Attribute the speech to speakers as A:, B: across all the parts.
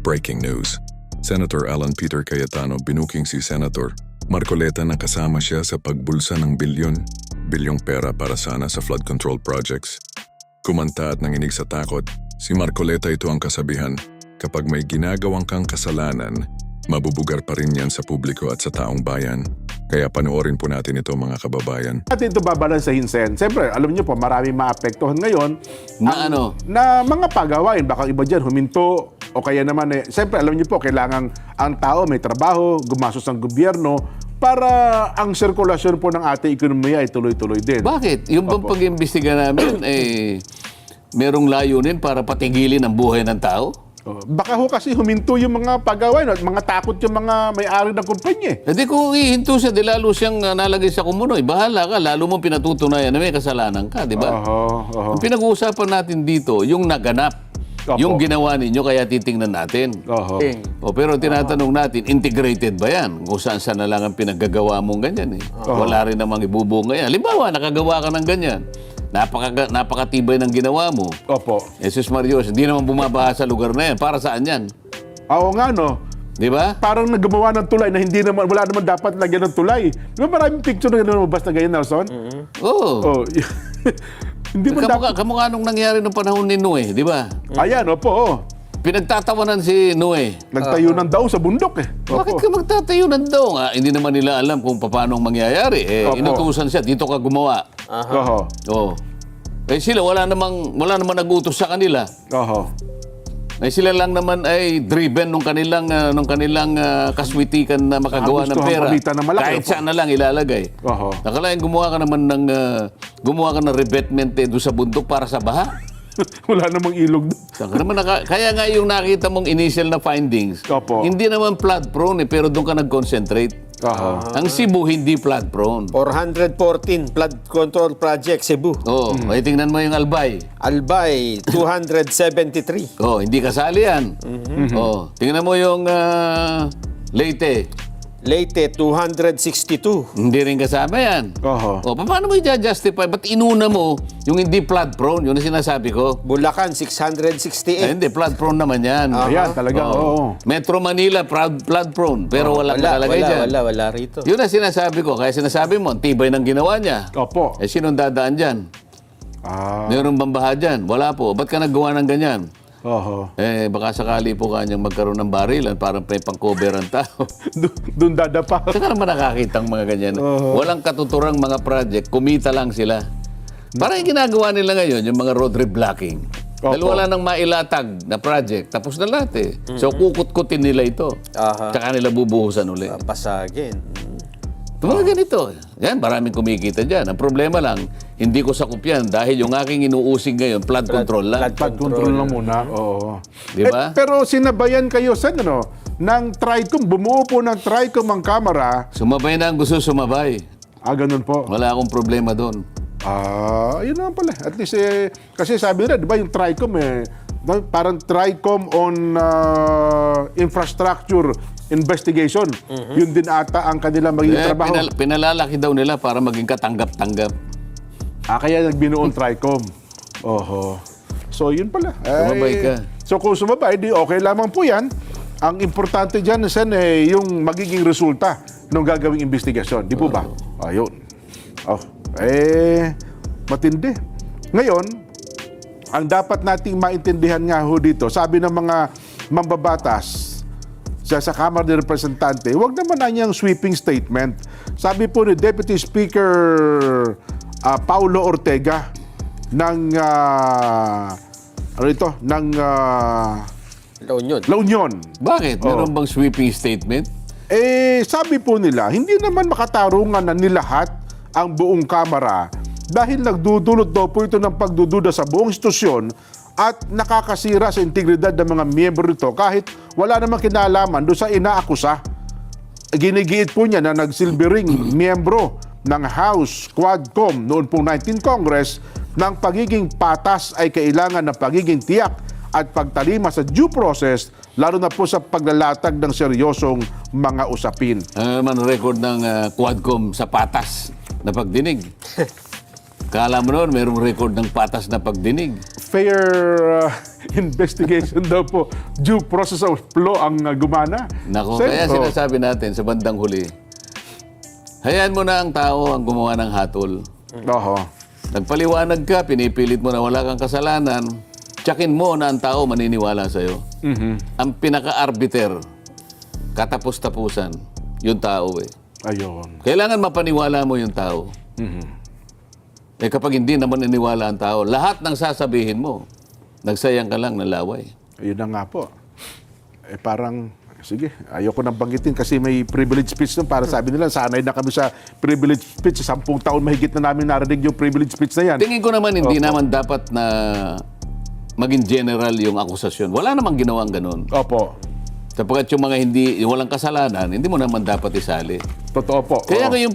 A: Breaking news. Senator Alan Peter Cayetano binuking si Senator Marcoleta na kasama siya sa pagbulsa ng bilyong pera para sana sa flood control projects. Kumanta at nanginig sa takot, si Marcoleta ito ang kasabihan, kapag may ginagawang kang kasalanan, mabubugar pa rin yan sa publiko at sa taong bayan. Kaya panoorin po natin ito mga kababayan.
B: Natin ito babalansahin, Sen. Siyempre, alam niyo po, maraming maapektuhan ngayon.
C: Na ano?
B: Na mga pagawain. Baka iba dyan, huminto. O kaya naman, siyempre, alam niyo po, kailangan ang tao may trabaho, gumastos ng gobyerno, para ang sirkulasyon po ng ating ekonomiya ay tuloy-tuloy din.
C: Bakit? Yung bang pag-imbestiga namin, merong layunin para patigilin ang buhay ng tao?
B: Baka ho kasi huminto yung mga pagawain at mga takot yung mga may-ari ng kumpanya.
C: Hindi kung ihinto siya, di lalo siyang nalagay sa kumunoy. Bahala ka, lalo mong pinatutunayan na may kasalanan ka, di ba? Ang pinag-uusapan natin dito, yung naganap. Yung ginawa ninyo, kaya titingnan natin. Pero tinatanong natin, integrated ba yan? Kung saan na lang ang pinaggagawa mong ganyan. Wala rin namang ibubunga yan. Halimbawa, nakagawa ka ng ganyan. Napakatibay ng ginawa mo.
B: Opo.
C: Jesus Marios, hindi naman bumabaha sa lugar na yan. Para saan yan?
B: Oo nga, no?
C: Di ba?
B: Parang naggumawa ng tulay na hindi naman, wala naman dapat lagyan ng tulay. Di ba maraming picture na gano'n lumabas na ganyan, Nelson?
C: Oo.
B: Hindi mo dapat.
C: Kamukha nung nangyari nung panahon ni Noe, di ba?
B: Ayan, opo.
C: Pinagtatawanan si Noe.
B: Nagtayo ng daw sa bundok
C: Bakit ka magtatayo ng daw? Hindi naman nila alam kung paano mangyayari. Inutusan siya, dito ka gumawa. Oo. Sila, wala namang nag-utos sa kanila. Sila lang naman ay driven nung kanilang kaswitikan na makagawa ng pera. Kahit saan na lang ilalagay. Nakalain gumawa ka ng revetment doon sa bundok para sa baha.
B: Wala namang ilog doon.
C: Kaya nga yung nakita mong initial na findings, hindi naman flood prone pero doon ka nag-concentrate. Ang Cebu hindi flood prone.
D: 414 flood control project Cebu.
C: Ay tingnan mo yung Albay.
D: Albay 273.
C: Hindi kasali yan. Tingnan mo yung Leyte.
D: Leyte 262.
C: Hindi rin kasama yan. Paano mo i-justify? Ba't inuna mo yung hindi flood prone? Yun ang sinasabi ko.
D: Bulacan 668.
C: Hindi, flood prone naman yan.
B: Ayan, talaga.
C: Metro Manila, flood prone. Pero walang nakalagay dyan.
D: Wala rito.
C: Yun ang sinasabi ko. Kaya sinasabi mo, ang tibay ng ginawa niya. Sinong dadaan dyan? Meron bang baha dyan? Wala po. Ba't ka naggawa ng ganyan? Baka sakali po kanyang magkaroon ng barilan parang may pang-cover ang tao.
B: Doon dadapa.
C: Saka naman nakakita ang mga ganyan. Walang katuturang mga project, kumita lang sila. Parang yung ginagawa nila ngayon, yung mga road reblocking. Dahil wala nang mailatag na project, tapos na lahat So kukut-kutin nila ito. Tsaka nila bubuhusan ulit.
D: Pasagin.
C: Mga ganito. Yan, maraming kumikita dyan. Ang problema lang, hindi ko sakup yan dahil yung aking inuusig ngayon, flood control lang.
B: Flood control lang muna.
C: Di ba?
B: Pero sinabayan kayo sa ng TRICOM, bumuo po ng TRICOM ang kamera.
C: Sumabay na ang gusto sumabay.
B: Ganun po.
C: Wala akong problema doon.
B: Yun naman pala. At least, kasi sabi nila, di ba yung TRICOM parang TRICOM on infrastructure investigation. Yun din ata ang kanilang magiging trabaho.
C: Pinalalaki daw nila para maging katanggap-tanggap.
B: Kaya nagbinuon TRICOM. So, yun pala.
C: Sumabay ka.
B: So, kung sumabay, di okay lamang po yan. Ang importante dyan, Sen, yung magiging resulta ng gagawing investigasyon. Di po ba? Ayun. Matindi. Ngayon, ang dapat nating maintindihan nga ho dito, sabi ng mga mambabatas sa Kamara ng Representante, huwag naman na niyang sweeping statement. Sabi po ni Deputy Speaker Paulo Ortega ng La Union.
C: Bakit? Meron bang sweeping statement?
B: Sabi po nila, hindi naman makatarungan na nilahat ang buong Kamara dahil nagdudulot daw po ito ng pagdududa sa buong institusyon at nakakasira sa integridad ng mga miyembro nito kahit wala namang kinalaman doon sa inaakusa. Ginigiit po niya na nagsilbing miyembro ng House Quadcom noon pong 19th Congress ng pagiging patas ay kailangan ng pagiging tiyak at pagtalima sa due process lalo na po sa paglalatag ng seryosong mga usapin.
C: Record ng Quadcom sa patas na pagdinig. Kala mo noon, mayroong record ng patas na pagdinig.
B: Fair investigation daw po. Due process of law ang gumana.
C: Nako,
B: Sen,
C: kaya sinasabi natin sa bandang huli, hayaan mo na ang tao ang gumawa ng hatol.
B: Oho.
C: Nagpaliwanag ka, pinipilit mo na wala kang kasalanan, tsakin mo na ang tao maniniwala sa'yo. Ang pinaka-arbiter, katapos-tapusan, yung tao eh.
B: Ayun.
C: Kailangan mapaniwala mo yung tao. Eh kapag hindi naman naniwala ang tao, lahat ng sasabihin mo, nagsayang ka lang ng laway.
B: Ayun na nga po. Eh parang, sige, ayoko nang banggitin kasi may privilege speech nun. Para sabi nila, sanay na kami sa privilege speech. 10 taon mahigit na namin narinig yung privilege speech na yan.
C: Tingin ko naman hindi naman dapat na maging general yung akusasyon. Wala namang ginawang ganun.
B: Opo.
C: Sapagkat yung mga yung walang kasalanan, hindi mo naman dapat isali.
B: Totoo po.
C: Kaya
B: Oo.
C: nga yung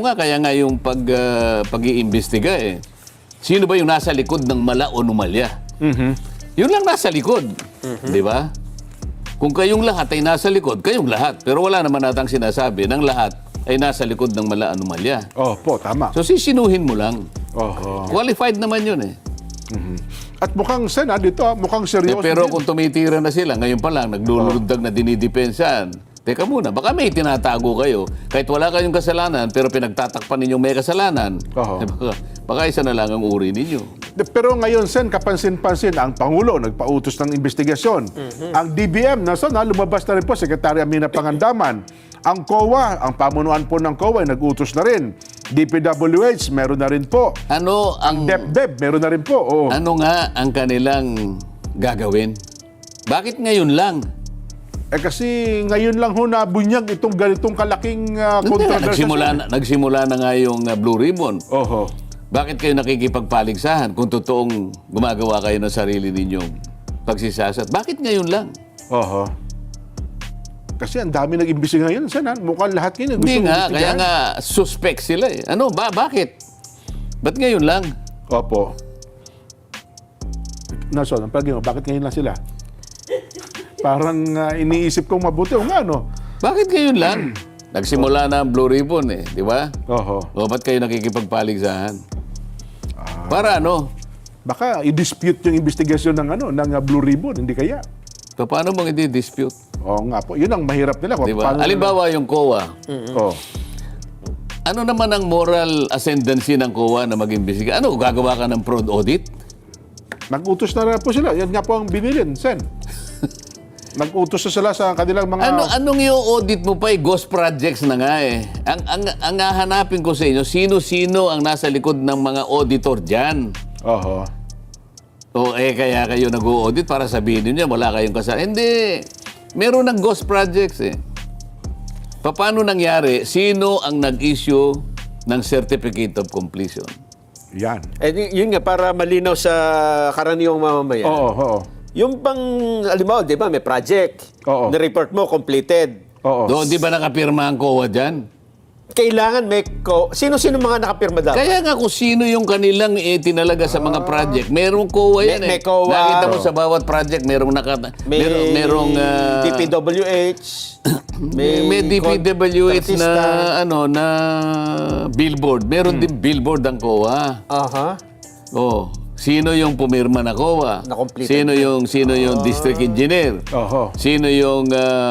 C: pag-iimbestiga eh. Sino ba yung nasa likod ng mala o numalya? Yun lang nasa likod. Di ba? Kung kayong lahat ay nasa likod, kayong lahat. Pero wala naman natang sinasabi ng lahat ay nasa likod ng mala o numalya.
B: Opo, tama.
C: So sisinuhin mo lang.
B: Oho.
C: Qualified naman yun eh.
B: At mukhang sen, dito, mukhang seryoso
C: Pero
B: din.
C: kung tumitira na sila, ngayon pa lang, naglulundag na dinidepensahan. Teka muna, baka may tinatago kayo. Kahit wala kayong kasalanan, pero pinagtatakpan ninyong may kasalanan.
B: Oo.
C: Baka isa na lang ang uri ninyo.
B: Pero ngayon, sen, kapansin-pansin, ang Pangulo nagpautos ng investigasyon. Ang DBM, lumabas na rin po, Secretary Amina Pangandaman. Ang COA, ang pamunuan po ng COA, ay nag-utos na rin. DPWH, meron na rin po.
C: Ano ang
B: DepDep, meron na rin po. Oo.
C: ano nga ang kanilang gagawin? Bakit ngayon lang?
B: Eh kasi ngayon lang ho nabunyag itong ganitong kalaking
C: Hindi nga,
B: controversy.
C: nagsimula na nga yung Blue Ribbon.
B: Oho.
C: Bakit kayo nakikipagpaligsahan kung totoong gumagawa kayo ng sarili ninyong pagsisasat? Bakit ngayon lang?
B: Oho. Kasi ang dami nag-imbestiga ngayon. Sana, mukhang lahat ngayon gusto
C: Hindi nga, kaya
B: imbestigahan.
C: nga suspect sila eh. Ano, bakit? Ba't ngayon lang?
B: Opo. Nason, ang palagay mo, bakit ngayon lang sila? Parang iniisip kong mabuti. O nga, no?
C: Bakit ngayon lang? Nagsimula na ang Blue Ribbon eh, di ba?
B: Oho.
C: O ba't kayo nakikipagpaligsahan? Para ano?
B: Baka i-dispute yung investigasyon ng Blue Ribbon, hindi kaya?
C: Paano mong i-dispute?
B: Oo nga po. Yun ang mahirap nila.
C: Di ba? Halimbawa yung COA.
B: Oh.
C: Ano naman ang moral ascendancy ng COA na mag-imbestiga? Ano, gagawa ka ng fraud audit?
B: Nag-utos na rin po sila. Yan nga po ang binilin, Sen. Nag-utos na sila sa kanilang mga...
C: Anong yung audit mo pa ghost projects na nga eh. Ang hahanapin ko sa inyo, sino-sino ang nasa likod ng mga auditor dyan?
B: Oho.
C: O kaya kayo nag-audit para sabihin niyo wala kayong kasalanan. Hindi. Meron ng ghost projects eh. Paano nangyari? Sino ang nag-issue ng Certificate of Completion?
B: Yan.
D: Eh, yun nga, para malinaw sa karaniwang mamamayan.
B: Oo, oo.
D: Yung bang, alimbawa, di ba, may project.
B: Oo.
D: Na-report mo, completed.
B: Oo.
C: Doon, di ba nakapirma ang COA dyan?
D: Kailangan may sino-sino mga nakapirma dapat?
C: Kaya nga kung sino yung kanilang tinalaga sa mga project, merong COA yan
D: May
C: eh.
D: COA.
C: Nakita mo sa bawat project, merong merong
D: DPWH.
C: may DPWH na
D: artista.
C: na billboard. Meron din billboard ang COA.
D: Aha.
C: Oh, sino yung pumirma na COA?
D: Na-completed.
C: Sino yung district engineer?
B: Oho.
C: Sino yung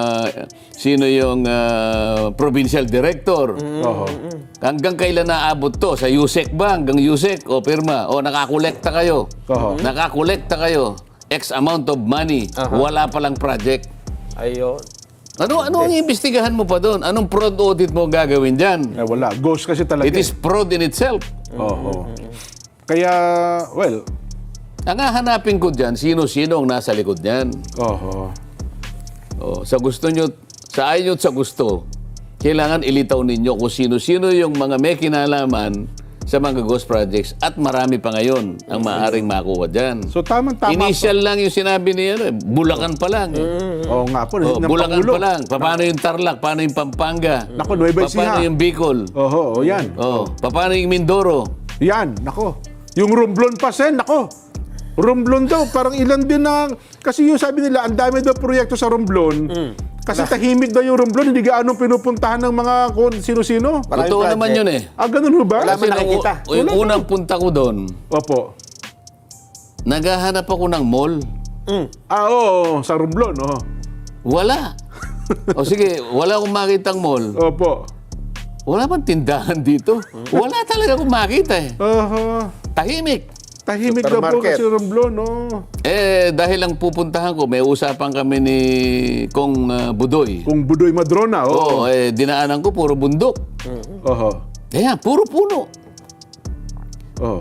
C: provincial director?
B: Oho.
C: Hanggang kailan naabot to? Sa USEC ba? Hanggang USEC? O pirma? O nakakolekta kayo?
B: Oho.
C: Nakakolekta kayo? X amount of money. Wala palang project.
D: Ayun.
C: Ano ang imbestigahan mo pa doon? Anong fraud audit mo gagawin dyan?
B: Eh, wala. Ghost kasi talaga.
C: It is fraud in itself.
B: Oho. Kaya, well,
C: Ang hahanapin ko dyan, sino-sino ang nasa likod niyan.
B: oho.
C: Oh, sa gusto nyo, sa ayaw nyo at sa gusto, kailangan ilitaw ninyo kung sino-sino yung mga may kinalaman sa mga ghost projects at marami pa ngayon ang maaaring makuha dyan.
B: So, tamang-tama
C: Initial lang yung sinabi niya, Bulacan pa lang.
B: Oo nga po.
C: Oh,
B: ng
C: Bulacan
B: Pangulo.
C: pa lang. Paano yung Tarlac? Paano yung Pampanga?
B: Naku, Nueva Ecija.
C: Paano yung Bicol?
B: Oho, yan.
C: Oh, paano yung Mindoro?
B: Yan, nako. Yung Romblon pa, Sen, nako. Romblon daw, parang ilan din na... Kasi yung sabi nila, ang dami daw proyekto sa Romblon. Kasi tahimik daw yung Romblon, hindi gaano pinupuntahan ng mga kung sino-sino.
D: Maraming
C: Totoo
D: project.
C: naman yun eh.
B: Ganun ho ba?
D: Wala man nakikita.
C: Yung unang punta ko doon,
B: Opo.
C: naghahanap ako ng mall.
B: Oo, sa Romblon, oo.
C: Wala. O sige, wala akong makitang mall.
B: Opo.
C: Wala bang tindahan dito? Wala talaga akong makita eh. Tahimik.
B: Tahimik daw po
D: Supermarket.
B: kasi Romblon, no?
C: Dahil lang pupuntahan ko, may usapan kami ni Kong Budoy.
B: Kung Budoy Madrona, oo.
C: Oo, dinaanan ko, puro bundok.
B: Oho.
C: Kaya, puro puno.
B: Oo.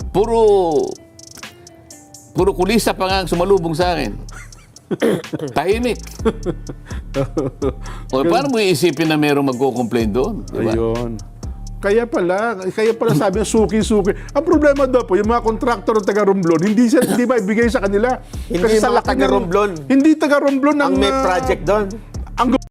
C: Puro kulisa pa nga ang sumalubong sa akin. Tahimik. O, paano mo iisipin na mayroong magko-complain doon? Diba?
B: Ayun. Kaya pala sabi niya suki-suki. Ang problema daw po, yung mga kontraktor ng taga Romblon, hindi maibigay sa kanila.
D: Hindi
B: sa
D: mga
B: laki
D: taga
B: ng-
D: Romblon.
B: Hindi taga Romblon
D: Ang may project doon.
B: ang